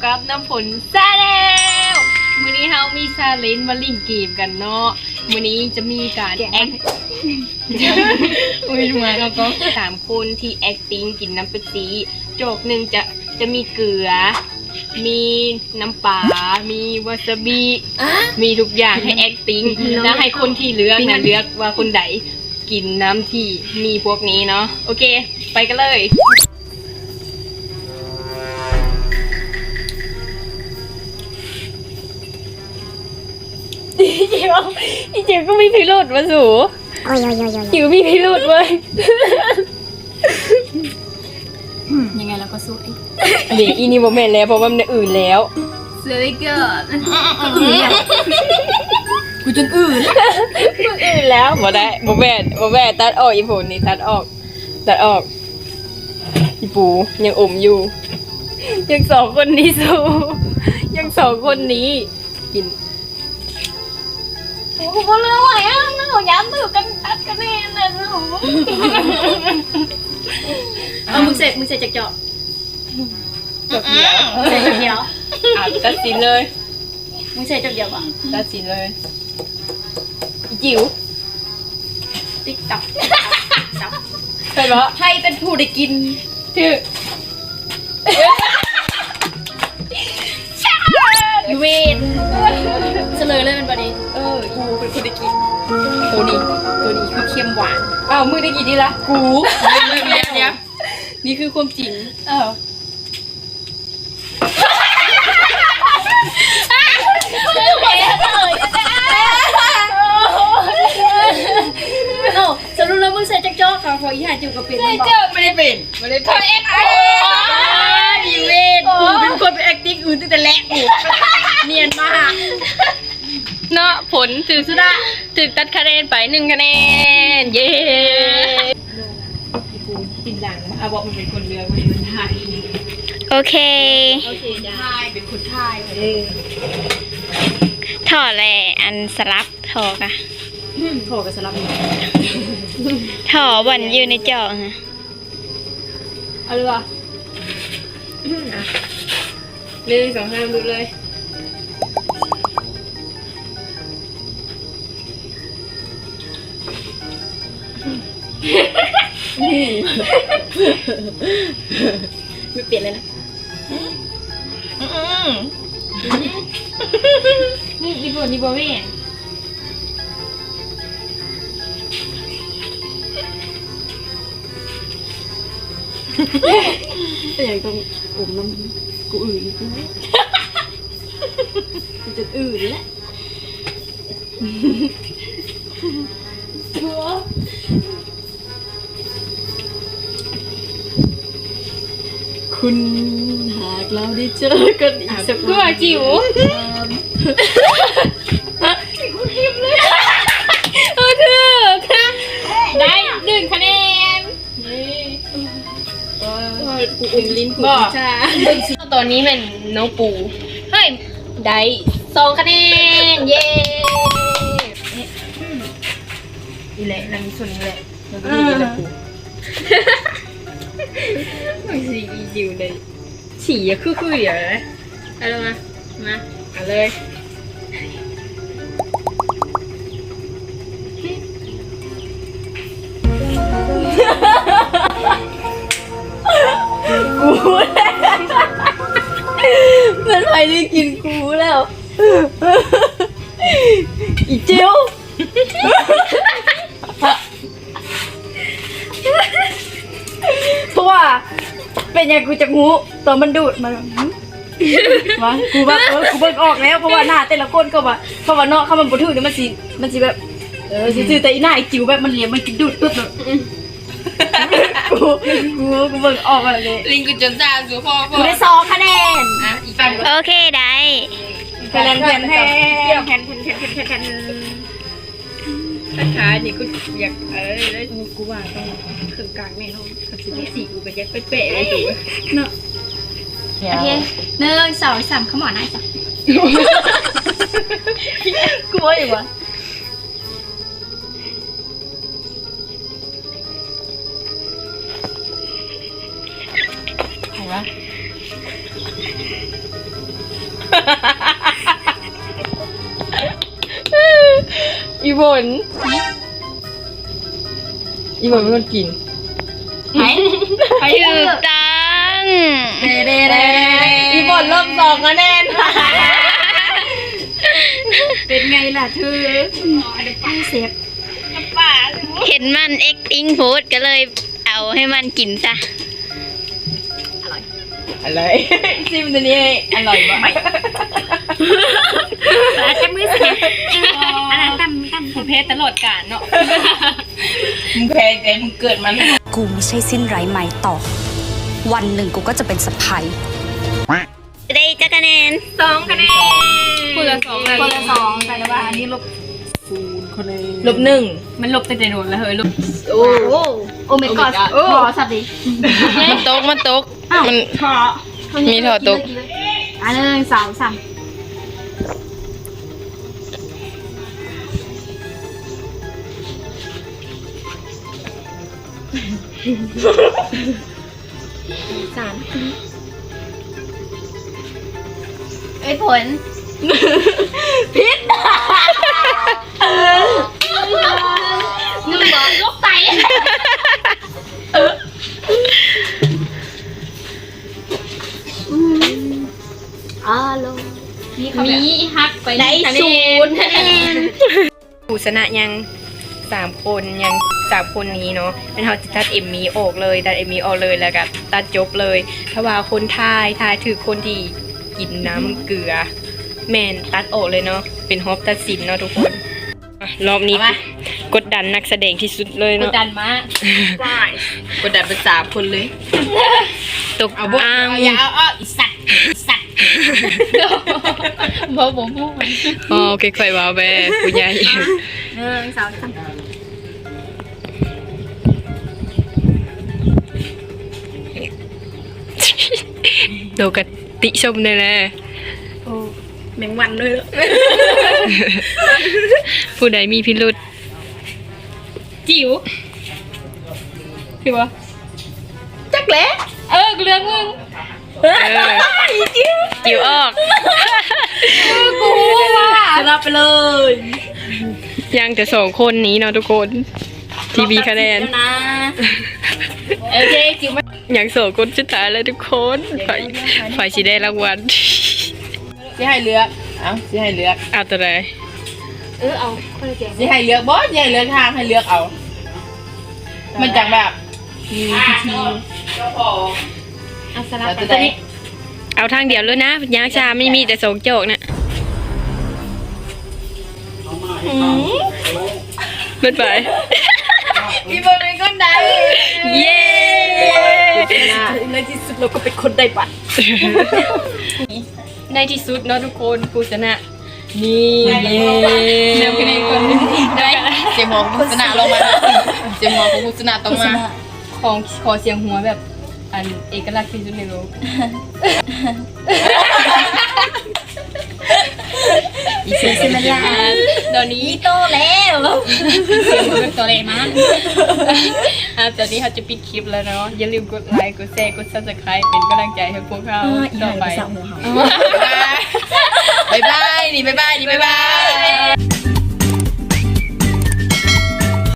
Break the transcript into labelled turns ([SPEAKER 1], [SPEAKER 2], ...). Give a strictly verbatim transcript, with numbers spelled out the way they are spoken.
[SPEAKER 1] กับน้ำผลซาแล้วมื้อนี้เฮามีซาเลนมาลิ่งเกมกันเนาะมื้อนี้จะมีการแอคอุ้ยมาแล้วก็สามคนที่ acting กินน้ำเป็ปซี่โจกหนึ่งจะจะมีเกลือมีน้ำปลามีวาซาบิมีทุกอย่างให้ acting แล้วให้คนที่เลือกนะเลือกว่าคนใดกินน้ำที่มีพวกนี้เนาะโอเคไปกันเลยอีเจียวอีเจียวก็มีพิรุธมาสูโอ้ยโอ้ยโอ้ยจิ๋วมีพิรุธเว้ย
[SPEAKER 2] ยังไงเราก็สู้ไอ้
[SPEAKER 1] เดี๋ยวอีนี่โมเมนต์แล้วเพราะว่ามันอื่นแล้ว
[SPEAKER 2] เสือเกิดอื่นเนี่ยกูจนอื่น
[SPEAKER 1] มันอื่นแล้วบ่ได้โมเมนต์โมเมนต์ตัดออกอีปูนี่ตัดออกตัดออกอีปูยังอมอยู่ยังสองคนนี้สู้ยังสองคนนี้กิน
[SPEAKER 2] โอ้โหเรื่องอะไรอ่ะนั่งหัวย้ำตื่นกันตัดกันแน่เลยหนูเอามึงเสร็จมึงเสร็จจากเจาะ
[SPEAKER 1] จบเดียว
[SPEAKER 2] เสร็จจากเดียว
[SPEAKER 1] อ่ะตัดสินเลย
[SPEAKER 2] มึงเสร็จจากเดียวป่ะ
[SPEAKER 1] ตัดสินเลยอีจิ๋ว
[SPEAKER 2] ติ๊กตับ
[SPEAKER 1] ใช่ปะ
[SPEAKER 2] ให้เป็นผู้ได้กิน
[SPEAKER 1] ชื่อ
[SPEAKER 2] เวทเฉลยเลยเป็นประเด็น
[SPEAKER 1] เออกูเป็นคนได้กิน
[SPEAKER 2] ตัวนี้ตัวนี้คือเค็มหวาน
[SPEAKER 1] อ้าวมึงได้กินดีละกู
[SPEAKER 2] เดี๋ยวเดี๋ยวนี่คือความจริง
[SPEAKER 1] อ้าว
[SPEAKER 2] โอ้สรุปแล้วมึงใส่จักรจ้อค่ะพออีห่าจิ๋วกับเป็น
[SPEAKER 1] ไม่เจอไม่ได้เป็นไม่ได้เป็น
[SPEAKER 2] เอ็กโอีเวนกูเป็นคนเป็น acting อื่นตั้งแต่แรกกูเนียนมาก
[SPEAKER 1] เนาะผลถึงสุดาถึงตัดคะแนนไปหนึ่งคะแนนเย้กูกินหลังอาบอกมันเป็นคนเรือมันเป็นไทย
[SPEAKER 3] โอเค
[SPEAKER 2] โอเคได้เป็นคนไทยเออ
[SPEAKER 3] ถอดเลยอันสลับถอดอะ
[SPEAKER 2] ถอดกับสลับ
[SPEAKER 3] ถอดวันอยู่ในจอฮะ
[SPEAKER 1] เอาเลยวะหนึ่งสองห้าดูเลย
[SPEAKER 2] ไม่เปลี่ยนเลยนะ
[SPEAKER 1] นี่ดีบดีบไม่เห็น
[SPEAKER 2] แต่ยังต้องอมน้ำกูอื่นกูกูจะอื่นแล้วคุณหากเราได้เจอกันอีกสัก
[SPEAKER 1] ตัวจิ๋ว
[SPEAKER 2] กูทิมเลย
[SPEAKER 1] เออเธอค่ะได้หนึ่งคะแนน
[SPEAKER 2] กูอมลิ้นกูชา
[SPEAKER 1] ตอนนี้มันน้องปูเฮ้ยได้สองคะแนนเย้นี่แหละนั่นส่วนนี้แหละแล้วก็มีน้องปูไม่สิอีจิวเลยฉี่อะคือคืออย่างไรอะไรมามาเอาเลย
[SPEAKER 2] กูมันไปได้กินกูแล้วอีเจียวเพราะว่าเป็นอย่างกูจะงูตัวมันดูดมันวะกูแบบเออกูเบิกออกแล้วเพราะว่าหน้าแต่ละคนก็ว่าเพราะว่าเนาะเขามันบ่ถือเนี่ยมันสิมันสิแบบเออซื่อแต่อีหน้าไอ้จิ๋วแบบมันเหลี่ยมมันกินดูดปึ๊บเนาะกูกูกูเบิกออกอะไรเลย
[SPEAKER 1] ลิงกูจนตาสูพ่อพ่อ
[SPEAKER 2] กูได้สองคะแนน
[SPEAKER 1] อ่ะอีกฝั่ง
[SPEAKER 3] โอเคได้
[SPEAKER 2] คะแนนแผ่นแผ่นแผ่นแผ่นแผ่นแผ่นแผ่นแผ่น
[SPEAKER 1] คล้ายๆนี่กูอยากเออได้
[SPEAKER 2] กูว่าต้องเครื่องกลางแน่นอนกับสิบ
[SPEAKER 1] สี่กูก็ยังเป๊ะๆเลยถูกไหม
[SPEAKER 2] เนาะโอเคหนึ่งสองสามขมอนได้จ้ะกูว่าอย่างวะ
[SPEAKER 1] ใครวะอีบนอีบนเป็นคนกิน
[SPEAKER 2] ไหนไป
[SPEAKER 3] ถู
[SPEAKER 2] เถ
[SPEAKER 3] ก
[SPEAKER 2] อะ
[SPEAKER 3] ต้อง
[SPEAKER 2] เด้เด้เด้
[SPEAKER 1] อีบนเริ่มสองคะแนน
[SPEAKER 2] เป็นไงล่ะเธอไอ้เซฟ
[SPEAKER 3] เห็นมัน acting โพสก็เลยเอาให้มันกินซะ
[SPEAKER 1] อะไรซิมตัวนี้อร่อยมาก
[SPEAKER 2] อาจจะมือเสียอันนั้นตั้มตั้ม
[SPEAKER 1] ผู้เพศตลอดกาลเนาะมึงแพ้ใจมึงเกิดมัน
[SPEAKER 4] กูไม่ใช่สิ้นไร้ไม้ต่อ วันหนึ่งกูก็จะเป็นสะพ้าย
[SPEAKER 3] ได้จักคะแนน
[SPEAKER 1] สองคะแนนคนละสอง
[SPEAKER 2] คนละสองแต่ว่าอันนี้ลบศูนย์คนเลย
[SPEAKER 1] ลบหนึ่งมันลบแต่ใจโดนแล้วเฮ้ยลบ
[SPEAKER 2] โอ้โอ้ไม่กอดโอ้สัตว์ดิ
[SPEAKER 1] มันตกมันตก มัน
[SPEAKER 2] ขอ
[SPEAKER 1] มีถอดตก
[SPEAKER 2] อันนึงสองสามสามไอ้ผลพิษนึกบอกลูกไตอารมณ์มีฮักไปได้ศูนย์คะแนน
[SPEAKER 1] ผู้ชนะยังสามคนยังสามคนนี้เนาะเป็นเขาจะตัดเอ็มมีออกเลยตัดเอ็มมีออกเลยแล้วก็ตัดจบเลยถ้าว่าคนทายทายถือคนที่กินน้ำเกลือ แมนตัดออกเลยเนาะเป็นฮอบตัดสินเนาะทุกคนอ่ะรอบนี้กดดันนักแสดงที่สุดเลย
[SPEAKER 2] ก
[SPEAKER 1] เนาะ
[SPEAKER 2] ดดันมาก
[SPEAKER 1] กดดันเป็นสามคนเลยตก
[SPEAKER 2] เอาบุก
[SPEAKER 1] อ้าง
[SPEAKER 2] อย่าเอาเอาอีสัตว์อีสัตว์
[SPEAKER 1] บอกผมพูดอ๋อค่อยๆว่าแม่ผู้ใหญ่
[SPEAKER 2] หนึ่งสองสาม
[SPEAKER 1] โดกติชมเลยแหละ
[SPEAKER 2] โอ้แมงวันด้วยเหรอ
[SPEAKER 1] ผู้ใดมีพิรุษจิ๋วพี่วะ
[SPEAKER 2] จักแหล้เออเรื่องมึง
[SPEAKER 1] เออจิ๋วออก
[SPEAKER 2] กูว่าชนะไปเลย
[SPEAKER 1] ยังแต่สองคนนี้เนาะทุกคนทีวีคะแนน
[SPEAKER 2] นะโอเคจิ๋วมา
[SPEAKER 1] อย่างสองคนสุดท้ายแล้วทุกคนฝ่ายฝ่ายชีได้รางวัล
[SPEAKER 5] สิให้เลือกเอ้าสิให้เลือก
[SPEAKER 1] เอาตัวไหน
[SPEAKER 2] เออเอาคนละแจก
[SPEAKER 5] สิให้เลือกบ่สิให้เลือกทางให้เลือกเอา มันจังแบบมีพิธี
[SPEAKER 2] เอาสลับ
[SPEAKER 5] แล้ว
[SPEAKER 2] ไป
[SPEAKER 5] จะ
[SPEAKER 2] ตัว
[SPEAKER 5] ได้
[SPEAKER 2] นี้
[SPEAKER 1] เอาทางเดียวเลยนะยางชาไม่มีแต่สองโจกน่ะไม่ไป
[SPEAKER 5] อีบนเป็นคนใด
[SPEAKER 1] เย้
[SPEAKER 2] ในที่สุดเราก็เป็นคนได้บัตร
[SPEAKER 1] ในที่สุดเนาะทุกคนผู้ชนะนี่เย้นำคะแนนคนได้
[SPEAKER 5] เจมองกุศนาลงมาเจมองของกุศนาต้องมา
[SPEAKER 1] ของขอเสียงหัวแบบอันเอกลักษณ์ที่สุดในโลก
[SPEAKER 5] อีเซซิมันลา
[SPEAKER 1] ตอนนี้
[SPEAKER 2] โตแล้ว
[SPEAKER 1] เสียงหัวเป็นตัวเลขมั้งอ่ะตอนนี้เขาจะปิดคลิปแล้วเนาะอย่าลืมกดไลค์กดแชร์กด ซับสไครบ์ เป็นกำลังใจให้พวกเราต่อไป
[SPEAKER 5] บ๊ายบายนี่บ๊ายบายนี่บ๊ายบาย